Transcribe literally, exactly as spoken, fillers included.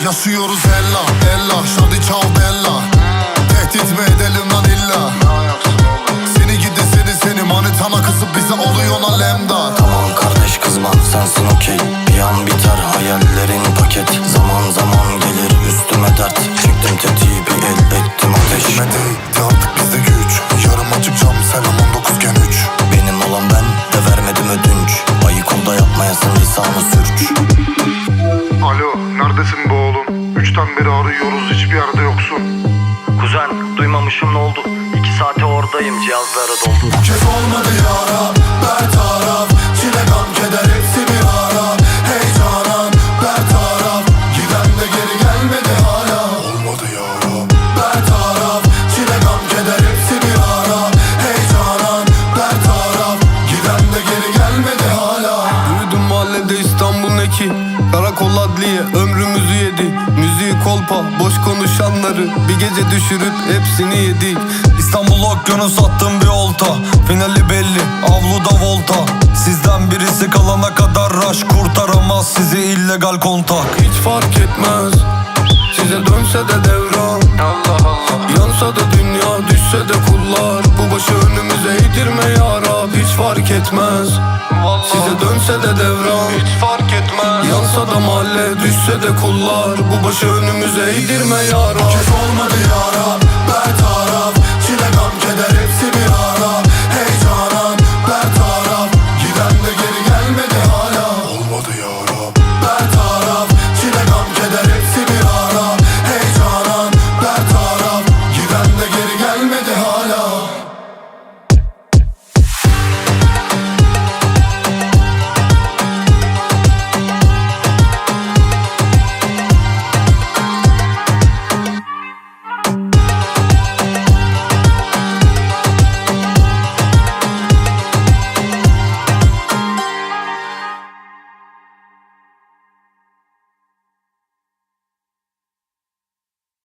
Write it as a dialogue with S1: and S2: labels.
S1: Yaşıyoruz ella ella, şadi çal bella. Tehdit mi edelim lan illa? Seni gidi seni seni manitana kızıp bize oluyor lan lemdar.
S2: Tamam kardeş kızma sensin okey. Bir an biter hayallerin paket. Zaman zaman gelir üstüme dert. Çektim tetiği bir el ettim ateş.
S1: Kime değdi artık bizde güç. Yarım açık cam selam on dokuz gen üç.
S2: Benim olan ben de vermedim ödünç. Ayık ol da yapmayasın lisanı sürç.
S3: Alo, neredesin be oğlum? Üçten beri arıyoruz, hiçbir yerde yoksun.
S2: Kuzen duymamışım ne oldu? İki saate oradayım, cihazlara doldu.
S1: Bu kez olmadı yara, bertaraf. Çile gam keder hepsi bir ara. Hey canan, bertaraf. Giden de geri gelmedi hala. Olmadı yara, bertaraf. Çile gam keder hepsi bir ara. Hey canan, bertaraf. Giden de geri gelmedi hala.
S4: Yürüdüm mahallede İstanbul eki. Karakol adliye ömrümüzü yedi. Müziği kolpa boş konuşanları bir gece düşürüp hepsini yedik.
S5: İstanbul okyanus attım bir olta. Finali belli avluda volta. Sizden birisi kalana kadar rush kurtaramaz sizi illegal kontak.
S4: Hiç fark etmez size dönse de devran. Allah Allah. Yansa da dünya düşse de kullar. Bu başı önümüze eğdirme ya Rab. Hiç fark etmez vallahi. Size dönse de devran. Hiç fark etmez. Yansa da mahalle düşse de kullar. Bu başı önümüze eğdirme ya Rab.
S1: Bu kez olmadı yara,